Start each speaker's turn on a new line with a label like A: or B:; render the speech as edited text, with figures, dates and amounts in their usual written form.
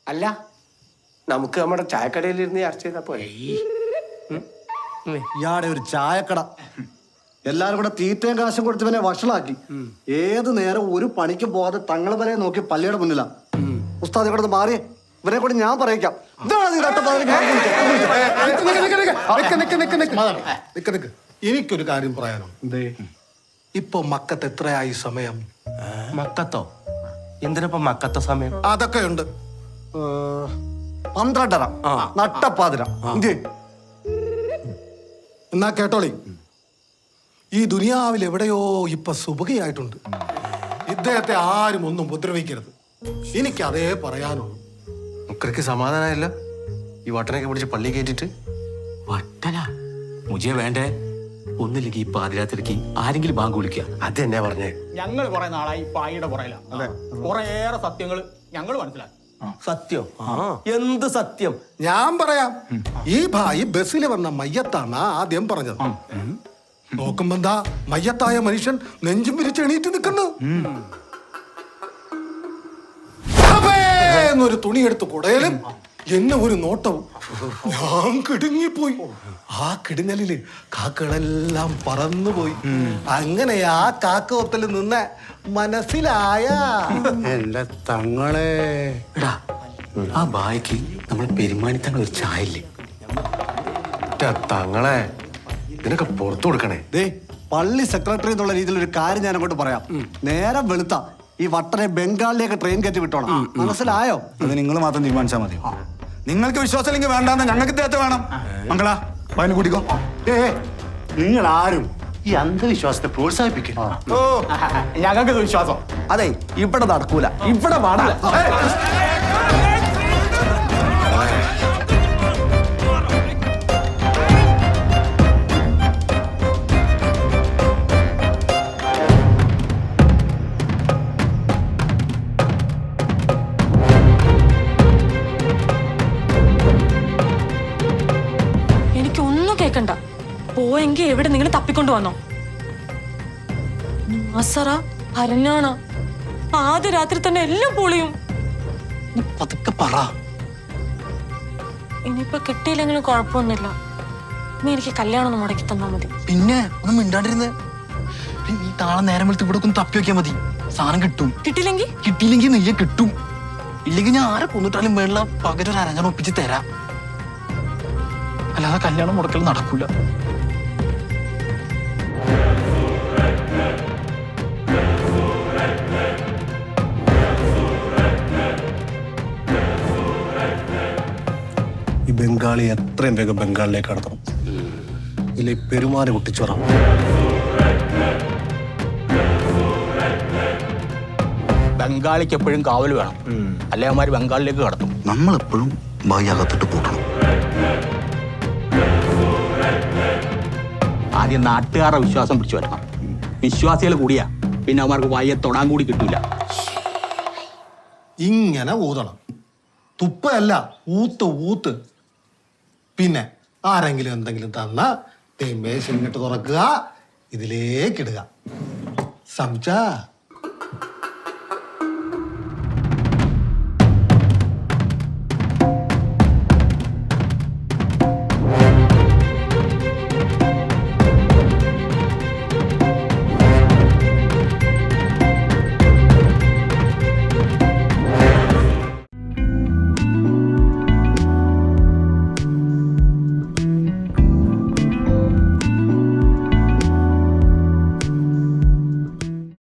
A: അല്ല നമുക്ക് നമ്മുടെ ചായക്കടയിലിരുന്ന് ചർച്ച ചെയ്താ പോലെ.
B: ഇയാടെ ഒരു ചായക്കട, എല്ലാരും കൂടെ തീറ്റയും കാശും കൊടുത്ത് ഇവനെ വഷളാക്കി. ഏത് നേരം ഒരു പണിക്കും പോകാതെ തങ്ങളെ വരെ നോക്കി പള്ളിയുടെ മുന്നിലാ. ഉസ്താദ് ഇവിടെ മാറിയേ, ഇവരെ കൂടി ഞാൻ പറയിക്കാം.
C: എനിക്കൊരു കാര്യം പറയാനോ. ഇപ്പൊ മക്കത്ത് എത്രയായി സമയം?
A: മക്കത്തോ? എന്തിനപ്പോ മക്കത്ത സമയം?
C: അതൊക്കെ ഉണ്ട്.
B: 12:30 നട്ടപ്പാതിര.
C: എന്നാ കേട്ടോളി, ഈ ദുനിയാവിൽ എവിടെയോ ഇപ്പൊ സുബഹിയായിട്ടുണ്ട്. ഇദ്ദേഹത്തെ ആരും ഒന്നും ഉപദ്രവിക്കരുത്. എനിക്ക് അതേ പറയാനുള്ളൂ.
A: മുക്കർക്ക് സമാധാനമല്ല ഈ വട്ടനൊക്കെ പിടിച്ച് പള്ളി കയറ്റിട്ട്.
D: വട്ടന മുജെ വേണ്ടേ? ഒന്നില്ലെങ്കിൽ ഈ പാതിരാത്രിക്ക് ആരെങ്കിലും ബാങ്ക് വിളിക്കുക.
A: അത് തന്നെ പറഞ്ഞേ.
E: ഞങ്ങൾ കുറെ നാളായി പായിയുടെ പുറയിലാണ്. കുറേയേറെ സത്യങ്ങൾ ഞങ്ങൾ മനസ്സിലാക്കി.
A: സത്യം? എന്ത് സത്യം?
C: ഞാൻ പറയാം. ഈ ഭായി ബസ്സിൽ വന്ന മയ്യത്താണ് ആദ്യം പറഞ്ഞത്. നോക്കുമ്പോ എന്താ മയ്യത്തായ മനുഷ്യൻ നെഞ്ചും വിരിച്ച് എണീറ്റ് നിൽക്കുന്നു. എന്നൊരു തുണി എടുത്ത് കുടയലും എന്നെ ഒരു നോട്ടവും. ഞാൻ കിടുങ്ങിപ്പോയി. ആ കിടുങ്ങലില് കാക്കകളെല്ലാം പറന്നുപോയി. അങ്ങനെ ആ കാക്കവത്തിൽ നിന്ന് മനസ്സിലായ
B: എന്റെ തങ്ങളെ.
D: എടാ, ആ ബായിക്ക് നമ്മൾ പെരുമാനിത്തങ്ങൾ ഒരു ചായ ഇല്ലേ?
A: തങ്ങളെ ഇതിനൊക്കെ പുറത്തു കൊടുക്കണേ.
B: പള്ളി സെക്രട്ടറി എന്നുള്ള രീതിയിൽ ഒരു കാര്യം ഞാൻ അങ്ങോട്ട് പറയാം. നേരം വെളുത്ത ഈ വട്ടനെ ബംഗാളിലേക്ക് ട്രെയിൻ കയറ്റി വിട്ടോണം. മനസ്സിലായോ?
F: അത് നിങ്ങൾ മാത്രം തീരുമാനിച്ചാൽ മതി. നിങ്ങൾക്ക് വിശ്വാസമില്ലെങ്കിൽ വേണ്ടാന്ന് ഞങ്ങൾക്ക് ഇദ്ദേഹത്തെ വേണം. മംഗള പതിന് കൂട്ടിക്കോ.
B: നിങ്ങൾ ആരും ഈ അന്ധവിശ്വാസത്തെ പ്രോത്സാഹിപ്പിക്കും.
E: ഞങ്ങൾക്ക് വിശ്വാസം.
B: അതെ, ഇവിടെ നടക്കൂല, ഇവിടെ പാടില്ല.
G: കേക്കണ്ട, പോയെങ്കിൽ എവിടെ നിങ്ങൾ തപ്പിക്കൊണ്ടു വന്നോ? ഭരണാണ് ആദ്യ രാത്രി തന്നെ എല്ലാം പൊളിയും.
D: പതുക്കെ പറ.
G: ഇനിയിപ്പൊ കിട്ടിയില്ലെങ്കിലും കുഴപ്പമൊന്നുമില്ല. നീ എനിക്ക് കല്യാണം ഒന്ന് മുടക്കി തന്നാ മതി.
D: പിന്നെ ഒന്നും മിണ്ടാണ്ടിരുന്ന് നീ താളെ നേരം വെളുത്ത് ഇവിടെ ഒന്ന് തപ്പി വെക്കാൻ മതി. സാധനം കിട്ടും. കിട്ടിയില്ലെങ്കിൽ നെയ്യെ കിട്ടും. ഇല്ലെങ്കിൽ ഞാൻ ആരെ കൊന്നിട്ടാലും വേണ്ട പകരം ഒരു അരഞ്ഞാൻ ഒപ്പിച്ച് തരാം. അല്ലാതെ കല്യാണം മുടക്കൽ നടക്കൂല.
C: ഈ ബംഗാളി എത്രയും വേഗം ബംഗാളിലേക്ക് കടത്തണം. ഇതിലെ പെരുമാറി കുട്ടിച്ചോറാം.
E: ബംഗാളിക്ക് എപ്പോഴും കാവൽ വേണം, അല്ലെ അവന്മാര് ബംഗാളിലേക്ക് കടത്തും.
D: നമ്മളെപ്പോഴും ബായി അകത്തിട്ട് പൂട്ടണം.
E: ആദ്യം നാട്ടുകാരുടെ വിശ്വാസം പിടിച്ചു വരണം. വിശ്വാസികൾ കൂടിയാ പിന്നെ അവന്മാർക്ക് വായെ തൊടാൻ കൂടി കിട്ടൂല.
C: ഇങ്ങനെ ഊതണം. തുപ്പല്ല, ഊത്ത്. പിന്നെ ആരെങ്കിലും എന്തെങ്കിലും തന്നാ മേശ ഇങ്ങോട്ട് തുറക്കുക, ഇതിലേക്കിടുക. സംസാ